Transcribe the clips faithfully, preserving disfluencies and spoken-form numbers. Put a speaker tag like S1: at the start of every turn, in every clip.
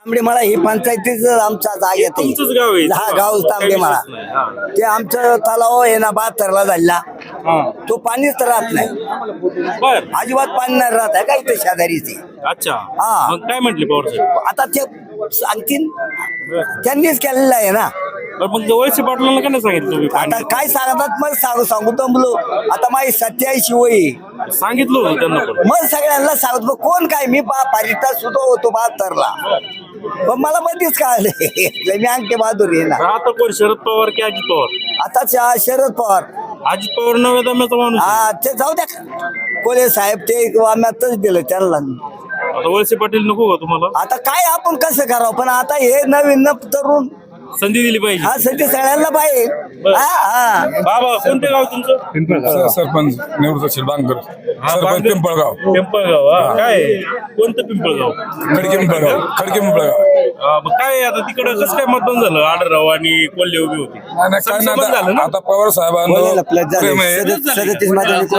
S1: तांबडेमाळा ही पंचायतीच आमच्या जागेत
S2: तुमचंच गाव आहे?
S1: हा गाव
S2: काही
S1: तांबडेमाळा.
S2: विशेष नाही. हा.
S1: ते आमचं तलाव आहे ना बहात्तरला झाला
S2: हा.
S1: तो पाणीच राहत नाही,
S2: बर.
S1: अजिबात पाणी नाही राहत आहे का इथे शेजारी ते.
S2: अच्छा.
S1: हा.
S2: मग काय म्हटले पवार साहेब?
S1: आता ते सांगतील त्यांनीच केलेलं आहे ना.
S2: बरं, मग वळसे पाटलांना काय नाही सांगितलं तुम्ही?
S1: आता
S2: पाणी
S1: काय सांगतात मग सांगू सांगू दमलो. आता माझी सत्याऐंशी वय
S2: सांगितलं होतं त्यांना पण.
S1: मग सगळ्यांना सांगतो मग कोण काय मी बा पारिता सुद्धा होतो बहात्तरला पण मला मध्येच कळालं मी अंगठे बहादूर आहे ना.
S2: आता कोण शरद पवार की अजित पवार?
S1: आता श- शरद पवार
S2: अजित पवार नव्या दम्याचा माणूस आहे.
S1: हा ते जाऊ द्या कोले साहेब ते आम्ही दिलं त्यांना.
S2: आता वळसे पाटील नको का तुम्हाला?
S1: आता काय आपण कसं करावं पण आता हे नवीन न तरुण
S2: संधी दिली पाहिजे.
S1: हा सध्या सगळ्यांना पाहिजे. हा हा
S2: बाबा कोणते गाव तुमचं?
S3: स- सरपंच निवृत्त शिरबांकर सरपंच
S2: बांगर-
S3: पिंपळगाव
S2: पिंपळगाव. हा. काय कोणतं पिंपळगाव?
S3: खडकी पिंपळगाव खडकी पिंपळगाव
S2: हा, मग काय आता तिकडे कसं काय मतदान झालं? आडराव आणि कोल्हे उभी होती.
S3: नाही, नाही, काय नाही,
S2: संसद झालं
S3: आता
S2: ना?
S3: आता पवार साहेबांना प्रेम आहे
S1: सदतीस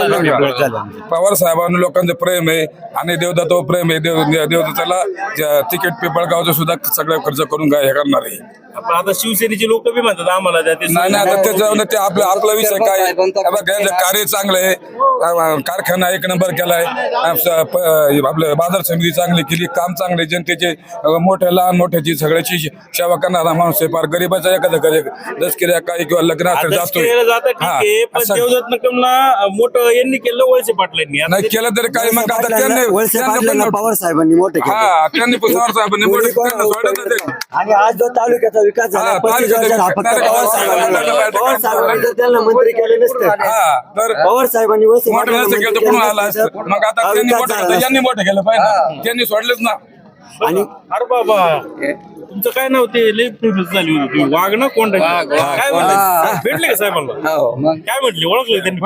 S1: मध्ये
S3: पवार साहेबांना लोकांचं प्रेम आहे आणि देवदत्तावर प्रेम आहे. देव देवदत्ताला ज- तिकीट पिंपळगावचं सुद्धा सगळं खर्च करून काय हे करणार आहे.
S2: आपण आता शिवसेनेचे लोक बी म्हणतात आम्हाला द्या ते.
S3: नाही नाही आता त्याच्यावर ते आपलं आपला विषय काय आहे? हे बघ, यांचं कार्य चांगलं आहे. अं, कारखाना एक नंबर केलाय. अं, स- प- आपलं बाजार समिती चांगली केली, काम चांगले जनतेचे अं, मोठ्या लहान मोठ्याची सगळ्याची सेवा करणारा माणूस आहे. फार गरीबाचा एखाद्या घरी दसकिऱ्या काही किंवा लग्न असेल
S2: आता
S3: जातोय.
S2: केलं जातं ठीक
S3: हा,
S2: आहे, पण
S3: असं-
S2: देवदत्त निकमला मोठं यांनी केलं वळसे पाटलांनी. आता
S3: नाही
S2: ते-
S3: केलं तरी काय मग आता त्यांनी
S1: वळसे
S3: त्यांनी
S1: पाटलांना
S3: पण-
S1: पवार साहेबांनी मोठे केले.
S3: हा त्यांनी पण पवार साहेबांनी मोठं- त्यांना सोडलं नाही ते.
S1: आणि आज जो तालुक्याचा विकास झाला
S3: हा,
S1: पस्तीस
S3: तालुक्याचा
S1: वर्षात हा
S3: विकास-
S1: फक्त पवार साहेबांनी पवार साहेबांनी जर त्यांना मंत्री केले नसते
S3: हा तर
S1: पवार साहेबांनी वळसे
S3: मोठं
S1: पाटलांना
S3: नसतं
S1: मंत्री
S3: केलं तर
S1: केले
S3: पुन्हा आला
S1: नसते
S3: असतं.
S1: तर
S3: मग आता
S1: हा
S3: त्यांनी
S1: विकास
S3: मोठं
S1: झाला
S3: केलं, यांनी मोठं केलं पाहिजे ना. त्यांनी सोडलेच ना.
S1: आणि
S2: अरे बाबा तुमचं काय नाव ते लई फेमस झाली होती तुम्ही वाघ ना कोण काय म्हणलं? भेटले का साहेबांना? काय म्हटले? ओळखले त्यांनी?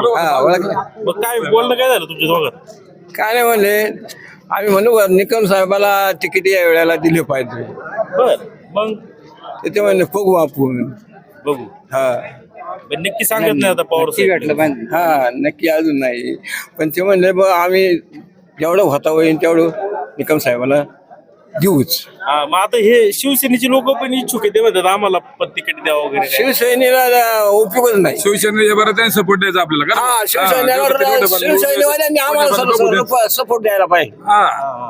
S2: मग काय बोलणं काय झालं तुमच्या दोघात?
S4: काय नाही म्हणले आम्ही म्हणलो बरं, निकम साहेबाला तिकीट या वेळेला दिले पाहिजे.
S2: बर मग
S4: तर ते म्हणले बघू आपण.
S2: बघू.
S4: हा
S2: पण नक्की सांगत नाही आता पवार साहेब.
S4: हा नक्की अजून नाही, पण ते म्हणले बघ आम्ही जेवढं होता होईल तेवढं निकम साहेबाला देऊच.
S2: हा, मग आता हे शिवसेनेचे लोक पण इच्छुक आहे, ते म्हणतात आम्हाला पण तिकीट द्यावं वगैरे काय.
S4: शिवसेनेला उपयोगच नाही.
S3: शिवसेनेच्या बरं त्यांनी सपोर्ट द्यायचा आपल्याला का?
S4: हा शिवसेनेवर शिवसेनेवाल्यांनी आम्हाला सपोर्ट द्यायला पाहिजे.
S3: हा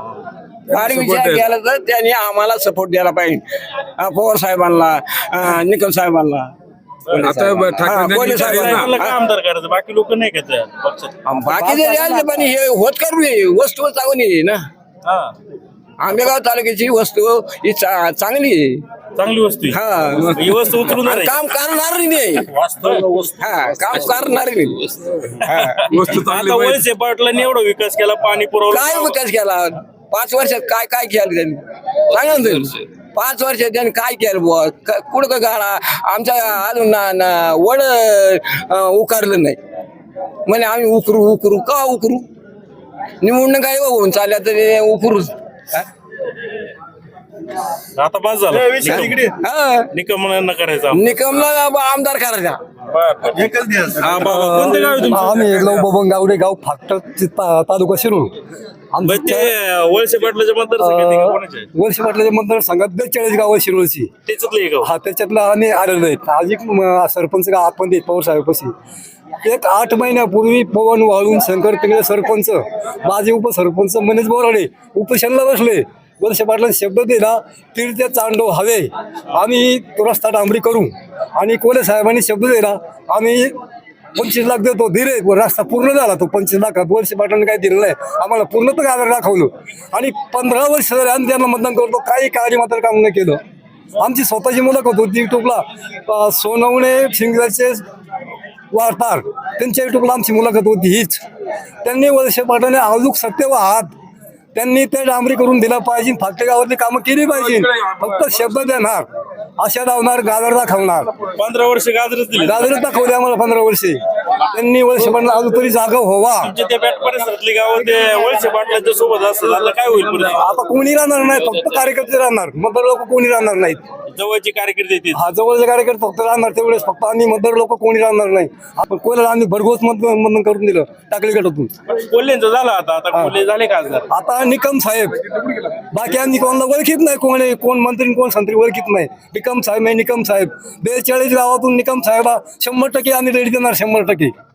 S4: फार विचार केला तर त्यांनी आम्हाला सपोर्ट द्यायला पाहिजे. हा, पवार साहेबांना अं, निकम साहेबांना.
S3: आता ब- ठाकरे
S4: हा,
S3: यांनी
S4: कोणी
S3: विचार
S4: साहेब-
S3: केला.
S2: साहेबांना काय आमदार करायचं? बाकी लोक नाही का त्या पक्षात?
S4: बाकी जरी आले पण हे होत करू नये, वस्तू चांगली आहे ना.
S2: हा,
S4: आंबेगाव तालुक्याची वस्तू ही चा- चांगली आहे.
S2: चांगली वस्तू आहे.
S4: हा
S2: ही वस्तू उचलून
S4: आणि
S2: धरायची.
S4: काम करणार नाही. हा काम करणार नाही. हा.
S3: वस्तू चांगली
S2: आता
S3: पाहिजे.
S2: वळसे पाटलांनी एवढा विकास केला, पाणी पुरवलं.
S4: काय विकास केला पाच वर्षात? काय काय केलं त्यांनी सांगा ना तुम्ही. पाच वर्षात त्यांनी काय केलं बुवा? क- कुठं का गाडा आमच्या अजून ना- ना वड अं, उकारलं नाही. म्हणे आम्ही उकरू उकरू का उकरू? निवडणूक काय होऊन चालल्या तरी उकरूच.
S2: आता बस झालं.
S4: हा
S2: निकमांना करायचं आम-
S4: निकमला आमदार करायचा.
S2: हा, बाबा कोणते गाव आहे तुमचं?
S1: आम्ही बबन गावडे गाव फाट तालुका शिरूर
S2: बरं, ते वळसे पाटलाच्या मतदारसंघात कोणाचे आहे?
S1: वर्ष म्हटलं मतदारसंघात बेचाळीस गाव शिरूरची.
S2: त्याच्यातलं एक गाव.
S1: हा त्याच्यातला आम्ही आलेलो आहेत. आज एक म- सरपंच का आतमध्ये आहेत पवार साहेबांपाशी. एक आठ महिन्यापूर्वी पवन वाळून शंकर तिकडे सरपंच माझे उपसरपंच मनीष बोराडे उपोषणाला बसले. वर्ष पाटलांनी शब्द दिला तीर्थ चांडो हवे आम्ही तो रस्ता डांबरी करू आणि कोले साहेबांनी शब्द दिला आम्ही पंचवीस लाख देतो दिले. रस्ता पूर्ण झाला तो पंचवीस लाखात. वर्ष पाटलांनी काय दिलं नाही आम्हाला पूर्ण तर गाजर दाखवलं आणि पंधरा वर्ष झाले आम्ही त्यांना मतदान करतो. काही कार्य मात्र काम नाही केलं. आमची स्वतःची मुलाखत होती युट्यूबला सोनवणे शिंगराचे वार्ताहर त्यांच्या युट्यूबला आमची मुलाखत होती हीच. त्यांनी वर्ष पाटलाने अजून सत्य व हात त्यांनी ते डांबरी करून दिला पाहिजे. फाटे गावातली कामं केली पाहिजे. फक्त शब्द देणार आशा लावणार गाजर दाखवणार.
S2: पंधरा वर्ष गाजरच दिले.
S1: गाजरच दाखवले आम्हाला पंधरा वर्षे. त्यांनी वळसे पाटला अजून तरी जागा व्हावा.
S2: तुमच्या त्या बॅट परिसरातली गावं ते वळसे पाटलांच्या सोबत असतात, आता काय होईल पुढे?
S1: आता कोणी राहणार नाही, फक्त कार्यकर्ते राहणार, मतदार लोक कोणी राहणार नाहीत.
S2: जवळचे कार्यकर्ते येतील.
S1: हा जवळचे कार्यकर्ते फक्त राहणार तेवढेच, फक्त आणि मतदार लोक कोणी राहणार नाही. आपण कोणाला आम्ही भरघोस मत मतदान करून दिलं टाकली गटातून.
S2: कोल्हेंचं झालं आता आता कोल्हे झाले खासदार.
S1: आता निकम साहेब, बाकी आम्ही कोणाला ओळखीत नाही, कोण आहे कोण मंत्री कोण संत्री ओळखीत नाही. निकम साहेब आहे निकम साहेब. बेचाळीस गावातून निकम साहेब शंभर टक्के आम्ही रेडी देणार, शंभर टक्के.